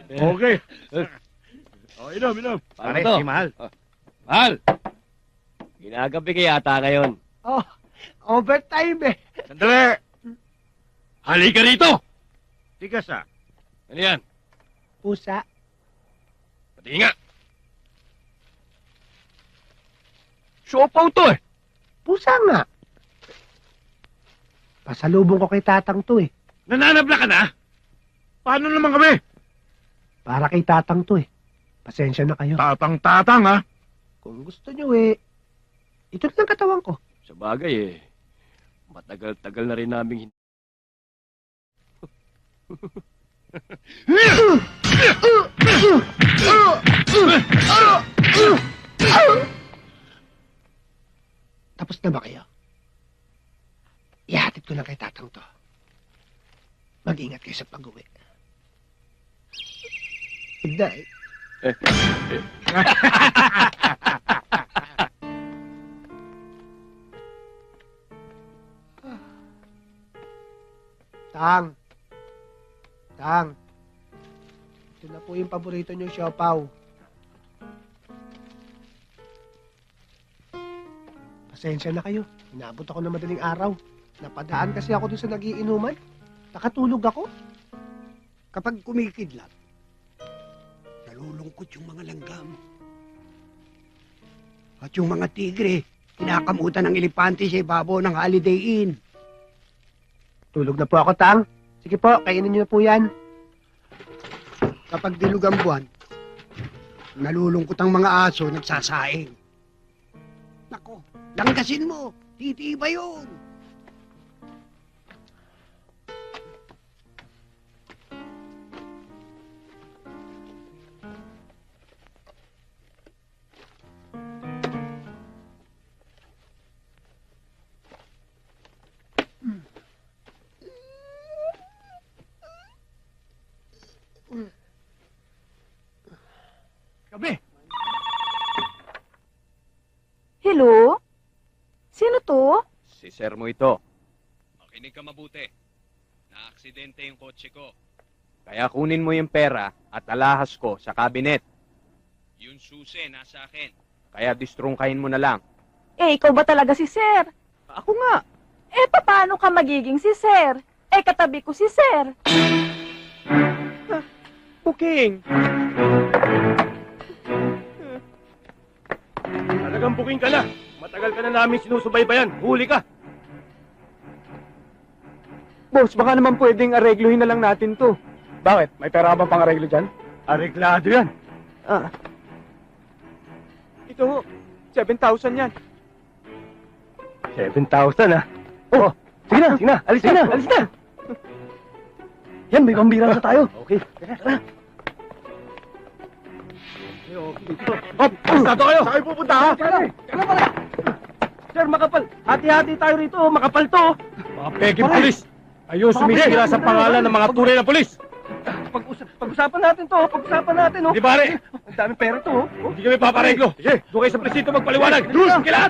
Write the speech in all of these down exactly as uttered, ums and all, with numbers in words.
Okay. O, inom, inom. Pare, to? si Mahal. Mahal! Ginagabi ka yata ngayon. Oh, overtime eh. Sandali! Halika rito! Tigas ah. Ano yan? Pusa. Pati nga. Siopaw to eh. Pusa nga. Pasalubong ko kay tatang to eh. Nananabla ka na? Paano naman kami? Para kay tatang to eh. Pasensya na kayo. Tatang-tatang, ha? Kung gusto nyo eh, ito lang katawan ko. Sa bagay eh. Matagal-tagal na rin namin hindi. Tapos na ba kayo? Ihatid ko na kay tatang to. Mag-ingat kayo sa pag-uwi. Good night. Tang. Tang. Ito na po yung paborito niyong siopaw. Pasensya na kayo. Inabot ako ng madaling araw. Napadaan kasi ako dun sa nagiinuman. Nakatulog ako. Kapag kumikidlat, nalulungkot yung mga langgam. At yung mga tigre, kinakamutan ng elepante sa ibabaw ng Holiday Inn. Tulog na po ako, Tang. Sige po, kainin niyo na po yan. Kapag dilug ang buwan, nalulungkot ang mga aso nagsasaing. Nako, langgasin mo, titiba yun. Gabi! Hello? Sino to? Si sir mo ito. Makinig ka mabuti. Na-aksidente yung kotse ko. Kaya kunin mo yung pera at alahas ko sa cabinet. Yung susi nasa akin. Kaya distrungkahin mo na lang. Eh, ikaw ba talaga si Sir? Ako nga. Eh, paano ka magiging si Sir? Eh, katabi ko si Sir. Booking. Talagang booking ka na. Matagal ka na namin sinusubaybayan. Huli ka. Boss, baka naman pwedeng aregluhin na lang natin to. Bakit? May pera ba pang areglo dyan? Areglado yan. Ah. Ito, seven thousand yan. seven thousand, ha? Oh, sige na, sige na. Alis na, alis na. Yan, may pambira na tayo. Okay. Tara. Hop, pasado kayo. Saan kayo pupunta, ha? Kaya pala. Sir, makapal. Hati-hati tayo rito. Makapal to. Mga peging polis. Ayun, sumisira sa pangalan ng mga tunay na polis. Pag-usap, pag-usapan natin to. Pag-usapan natin, oh. Di pare. Ang daming pera to, oh. Hindi kami papareglo. Sige, doon kayo sa presinto magpaliwanag. Diyos, kailangan.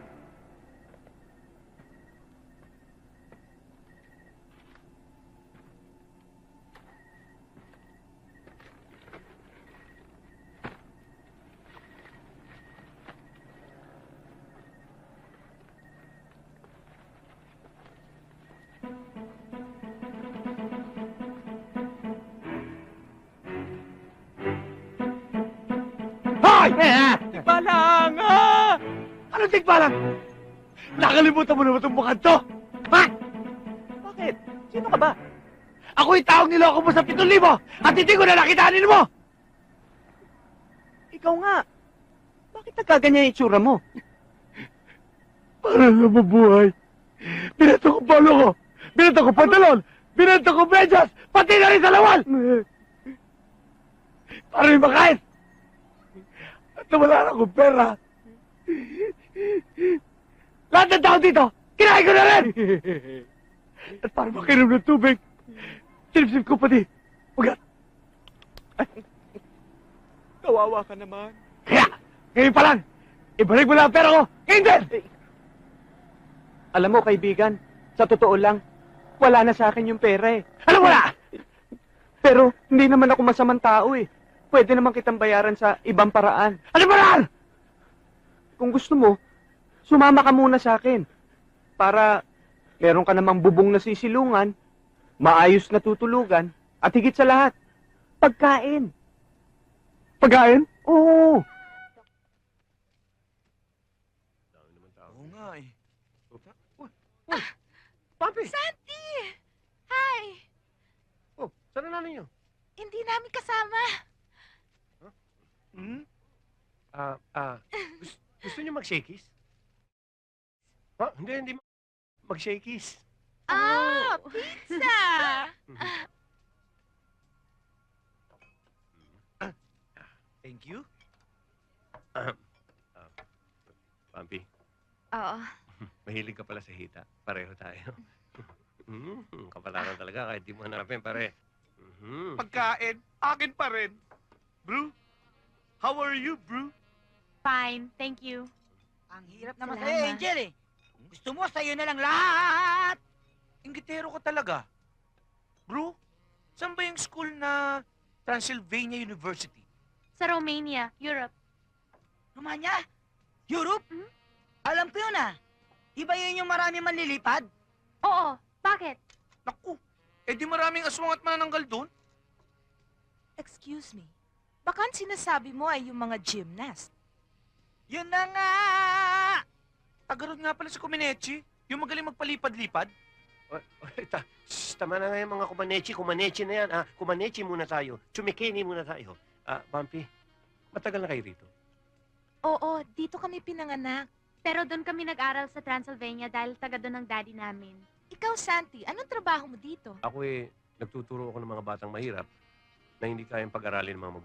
Hoy! Tigbalang! Ah! Anong tigbalang? Nakalimutan mo naman itong mukhang to? Ha? Bakit? Sino ka ba? Ako yung taong niloko mo sa pitong libo at hindi ko na nakitaanin mo! Ikaw nga. Bakit nagkaganyan yung itsura mo? Para na mabuhay. Binato ko palo ko. Binato ko pantalon. Binato ko medyas. Pati na rin sa lawal. Para rin makain. At nawala na akong pera. Lahat ng tao dito, kinain ko na rin! At para makinom ng tubig, sinipsip ko pati. Ugat. Kawawa ka naman. Kaya, ngayon pa lang, ibalik mo lang ang pera ko. Ngayon din! Alam mo, kaibigan, sa totoo lang, wala na sa akin yung pera eh. Ano wala? Pero hindi naman ako masamang tao eh. Pwede naman kitang bayaran sa ibang paraan. Ano ba yan? Kung gusto mo, sumama ka muna sa akin. Para meron ka namang bubong na sisilungan, maayos na tutulugan, at higit sa lahat, pagkain. Pagkain? Oo. Oo nga eh. Papi! Santi! Hi! Oh, saan na nanay niyo? Hindi namin kasama. Hmm? Ah, ah, gusto, gusto niyo mag-shakies? Ha? Hindi, hindi. Mag-shakies. Ah, pizza! Thank you. Pampi, Oo. mahilig ka pala sa hita. Pareho tayo. Hmm, kapalaran talaga kahit di mo hanapin, pare. Mhm. Pagkain, akin pa rin. Bro, how are you, bro? Fine, thank you. Ang hirap naman Salamat. sa'yo, Angel eh. Gusto mo sa'yo na lang lahat. Ingitero ka talaga. Bro, saan ba yung school na Transylvania University? Sa Romania, Europe. Romanya? Europe? Mhm. Alam ko yun ah. Di ba yun yung marami manlilipad? Oo, bakit? Naku, eh di maraming aswang at manananggal doon. Excuse me. Baka ang sinasabi mo ay yung mga gymnast. Yun na nga! Tagarod nga pala si Kuminechi, yung magaling magpalipad-lipad. Oy, oy, ta, shh, tama na nga yung mga kumanechi. Kumanechi na yan. Ah, kumanechi muna tayo. Chumikini muna tayo. Ah, Pampi, matagal na kayo rito? Oo, dito kami pinanganak. Pero doon kami nag-aral sa Transylvania dahil taga doon ang daddy namin. Ikaw, Santi, anong trabaho mo dito? Ako eh, nagtuturo ako ng mga batang mahirap na hindi kayang pag-aralin ng mga magulang.